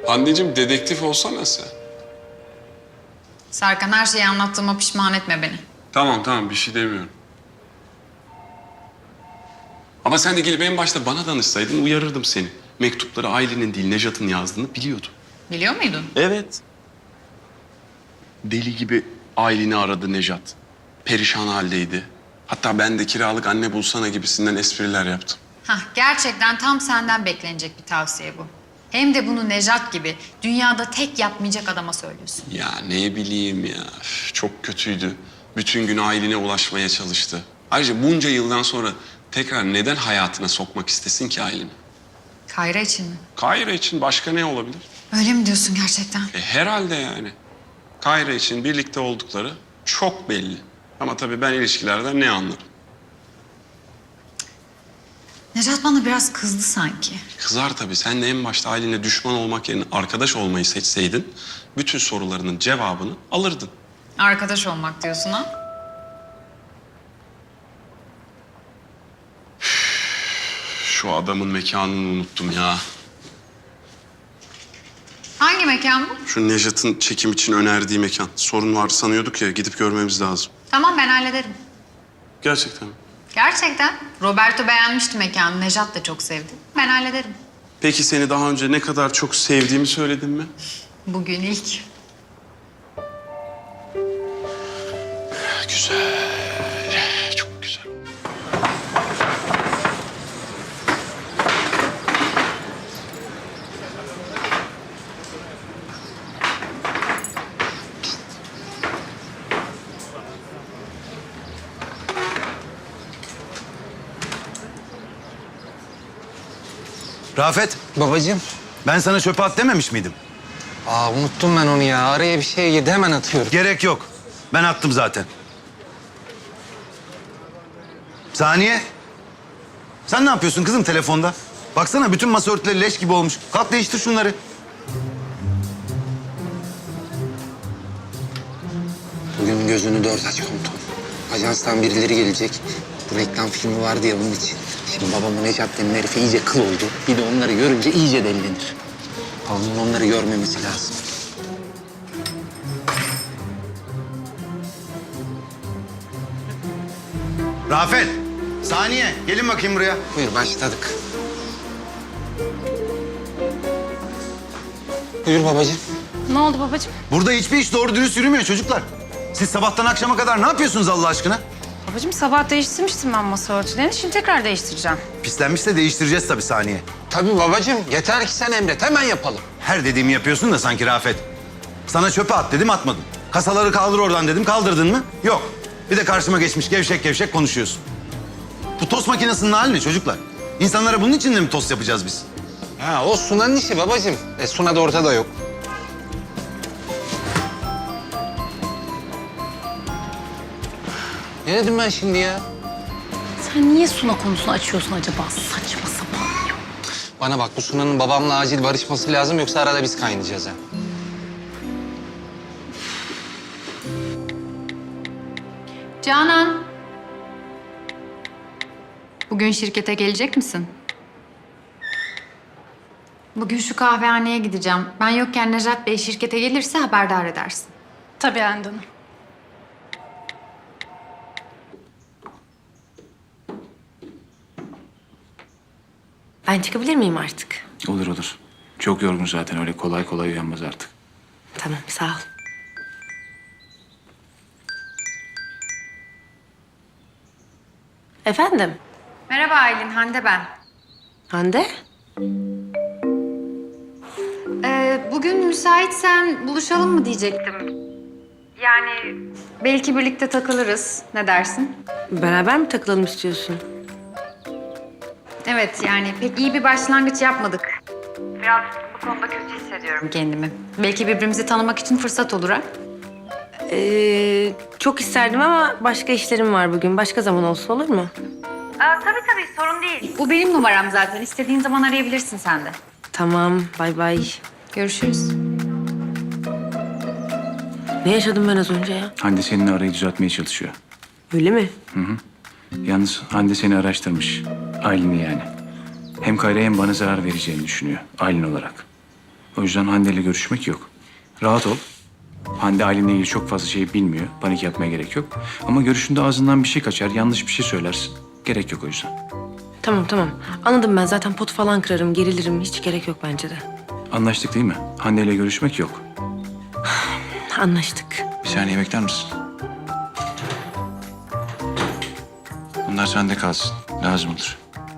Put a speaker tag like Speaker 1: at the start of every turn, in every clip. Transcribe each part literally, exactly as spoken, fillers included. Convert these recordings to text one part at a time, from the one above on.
Speaker 1: Hande'cim dedektif olsana sen.
Speaker 2: Serkan, her şeyi anlattığıma pişman etme beni.
Speaker 1: Tamam tamam bir şey demiyorum. Ama sen de gelip en başta bana danışsaydın uyarırdım seni. Mektupları Aylin'in değil Nejat'ın yazdığını biliyordum.
Speaker 2: Biliyor muydun?
Speaker 1: Evet. Deli gibi Aylin'i aradı Nejat. Perişan haldeydi. Hatta ben de kiralık anne bulsana gibisinden espriler yaptım.
Speaker 2: Hah, gerçekten tam senden beklenecek bir tavsiye bu. Hem de bunu Nejat gibi dünyada tek yapmayacak adama söylüyorsun.
Speaker 1: Ya ne bileyim ya. Üf, çok kötüydü. Bütün gün Aylin'e ulaşmaya çalıştı. Ayrıca bunca yıldan sonra tekrar neden hayatına sokmak istesin ki Aylin'i?
Speaker 2: Kayra için mi?
Speaker 1: Kayra için başka ne olabilir?
Speaker 2: Öyle mi diyorsun gerçekten?
Speaker 1: E, herhalde yani. Kayra için birlikte oldukları çok belli. Ama tabii ben ilişkilerden ne anlarım?
Speaker 2: Nejat bana biraz kızdı sanki.
Speaker 1: Kızar tabii. Sen de en başta Aylin'le düşman olmak yerine arkadaş olmayı seçseydin... bütün sorularının cevabını alırdın.
Speaker 2: Arkadaş olmak diyorsun ha?
Speaker 1: Şu adamın mekanını unuttum ya.
Speaker 2: Hangi mekan bu?
Speaker 1: Şu Nejat'ın çekim için önerdiği mekan. Sorun var sanıyorduk ya, gidip görmemiz lazım.
Speaker 2: Tamam, ben hallederim.
Speaker 1: Gerçekten mi?
Speaker 2: Gerçekten. Roberto beğenmişti mekanı. Nejat da çok sevdi. Ben hallederim.
Speaker 1: Peki seni daha önce ne kadar çok sevdiğimi söyledim mi?
Speaker 2: Bugün ilk.
Speaker 1: Güzel. Çok güzel.
Speaker 3: Rafet,
Speaker 4: Babacığım.
Speaker 3: ben sana çöpe at dememiş miydim?
Speaker 4: Aa unuttum ben onu ya. Araya bir şey girdi hemen atıyorum.
Speaker 3: Gerek yok. Ben attım zaten. Saniye. Sen ne yapıyorsun kızım telefonda? Baksana bütün masa örtüleri leş gibi olmuş. Kalk değiştir şunları.
Speaker 4: Bugün gözünü dört aç komutan. Ajanstan birileri gelecek. Bu reklam filmi vardı ya bunun için. Şimdi babamın Necat denen herifi iyice kıl oldu. Bir de onları görünce iyice delilenir. Babamın onları görmemesi lazım.
Speaker 3: Rafet, Saniye gelin bakayım buraya.
Speaker 4: Buyur başladık. Buyur babacığım.
Speaker 5: Ne oldu babacığım?
Speaker 3: Burada hiçbir iş doğru dürüst yürümüyor çocuklar. Siz sabahtan akşama kadar ne yapıyorsunuz Allah aşkına?
Speaker 5: Babacığım sabah değiştirmiştim ben masa örtülerini. Şimdi tekrar değiştireceğim.
Speaker 3: Pislenmişse değiştireceğiz tabii Saniye.
Speaker 4: Tabii babacığım. Yeter ki sen emret. Hemen yapalım.
Speaker 3: Her dediğimi yapıyorsun da sanki Rafet. Sana çöpe at dedim atmadın. Kasaları kaldır oradan dedim kaldırdın mı? Yok. Bir de karşıma geçmiş gevşek gevşek konuşuyorsun. Bu tost makinesinin hali ne çocuklar? İnsanlara bunun için de mi tost yapacağız biz?
Speaker 4: Ha o Suna'nın işi babacığım. E Suna da ortada yok. Ne dedim ben şimdi ya?
Speaker 5: Sen niye Suna konusunu açıyorsun acaba? Saçma sapan ya.
Speaker 4: Bana bak bu Suna'nın babamla acil barışması lazım yoksa arada biz kaynayacağız ha.
Speaker 2: Canan. Bugün şirkete gelecek misin? Bugün şu kahvehaneye gideceğim. Ben yokken Nejat Bey şirkete gelirse haberdar edersin.
Speaker 5: Tabii Hande Hanım.
Speaker 6: Ben çıkabilir miyim artık?
Speaker 7: Olur olur. Çok yorgun zaten öyle kolay kolay uyanmaz artık.
Speaker 6: Tamam, sağ ol. Efendim?
Speaker 2: Merhaba Aylin, Hande ben.
Speaker 6: Hande?
Speaker 2: Ee, bugün müsaitsen buluşalım mı diyecektim. Yani belki birlikte takılırız. Ne dersin?
Speaker 6: Beraber mi takılalım istiyorsun?
Speaker 2: Evet, yani pek iyi bir başlangıç yapmadık. Biraz bu konuda kötü hissediyorum kendimi. Belki birbirimizi tanımak için fırsat olur ha?
Speaker 6: Ee, çok isterdim ama başka işlerim var bugün. Başka zaman olsa olur mu?
Speaker 2: Aa, tabii tabii, sorun değil. Bu benim numaram zaten. İstediğin zaman arayabilirsin sen de.
Speaker 6: Tamam, bay bay.
Speaker 2: Görüşürüz.
Speaker 6: Ne yaşadım ben az önce ya?
Speaker 7: Hande seninle arayı düzeltmeye çalışıyor.
Speaker 6: Öyle mi?
Speaker 7: Yalnız Hande seni araştırmış. Aylin'i yani. Hem Kayra'ya hem bana zarar vereceğini düşünüyor. Aylin olarak. O yüzden Hande ile görüşmek yok. Rahat ol. Hande ailenle ilgili çok fazla şey bilmiyor. Panik yapmaya gerek yok. Ama görüşünde ağzından bir şey kaçar, yanlış bir şey söylersin. Gerek yok o yüzden.
Speaker 6: Tamam tamam. Anladım ben. Zaten pot falan kırarım, gerilirim. Hiç gerek yok bence de.
Speaker 7: Anlaştık değil mi? Hande ile görüşmek yok.
Speaker 6: Anlaştık.
Speaker 7: Bir saniye bekler misin? Bunlar sende kalsın. Lazım olur.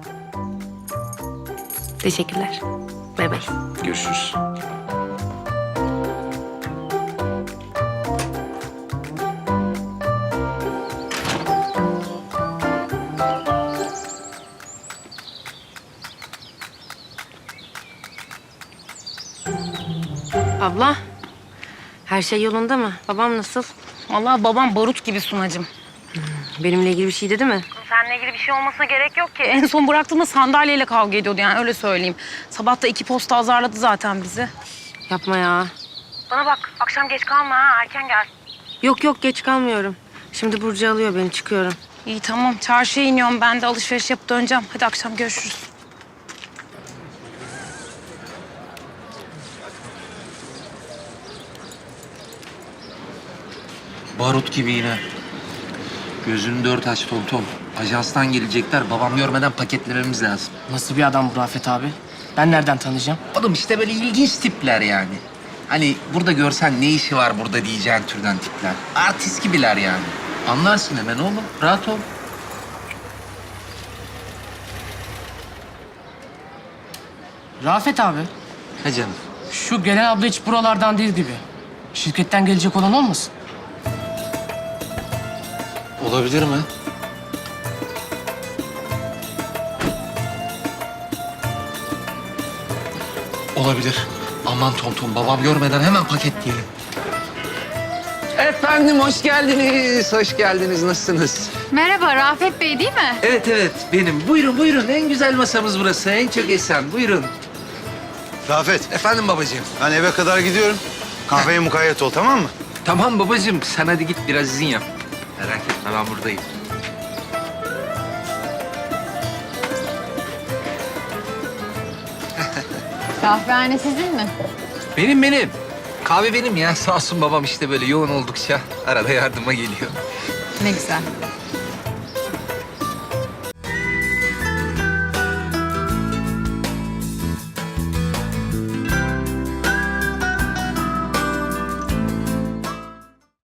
Speaker 6: Teşekkürler. Bay bay.
Speaker 7: Görüşürüz.
Speaker 6: Abla, her şey yolunda mı? Babam nasıl?
Speaker 2: Vallahi babam barut gibi Sunacığım.
Speaker 6: Benimle ilgili bir şey dedi mi?
Speaker 2: Seninle ilgili bir şey olmasına gerek yok ki. En son bıraktığımda sandalyeyle kavga ediyordu yani öyle söyleyeyim. Sabah da iki posta azarladı zaten bizi.
Speaker 6: Yapma ya.
Speaker 2: Bana bak akşam geç kalma ha erken gel.
Speaker 6: Yok yok geç kalmıyorum. Şimdi Burcu alıyor beni çıkıyorum.
Speaker 2: İyi tamam çarşıya iniyorum ben de alışveriş yapıp döneceğim. Hadi akşam görüşürüz.
Speaker 4: Barut gibi yine. Gözünü dört aç Tom Tom. Ajanstan gelecekler. Babam görmeden paketlememiz lazım.
Speaker 8: Nasıl bir adam bu Rafet abi? Ben nereden tanıyacağım?
Speaker 4: Oğlum işte böyle ilginç tipler yani. Hani burada görsen ne işi var burada diyeceğin türden tipler. Artist gibiler yani. Anlarsın hemen oğlum. Rahat ol.
Speaker 8: Rafet abi,
Speaker 4: Ha canım.
Speaker 8: şu gelen abla hiç buralardan değil gibi. Şirketten gelecek olan olmasın?
Speaker 4: Olabilir mi? Olabilir. Aman Tom Tom babam görmeden hemen paketleyelim. Efendim hoş geldiniz. Hoş geldiniz. Nasılsınız?
Speaker 2: Merhaba Rafet Bey değil mi?
Speaker 4: Evet evet benim. Buyurun buyurun. En güzel masamız burası. En çok esen. Buyurun.
Speaker 3: Rafet,
Speaker 4: Efendim babacığım.
Speaker 3: ben eve kadar gidiyorum. Kahveye mukayyet ol, tamam mı?
Speaker 4: Tamam babacığım. Sen hadi git biraz izin yap. Merak etme ben buradayım.
Speaker 2: Kahvehane sizin mi?
Speaker 4: Benim benim. Kahve benim ya. Sağ olsun babam işte böyle yoğun oldukça arada yardıma geliyor.
Speaker 2: Ne güzel.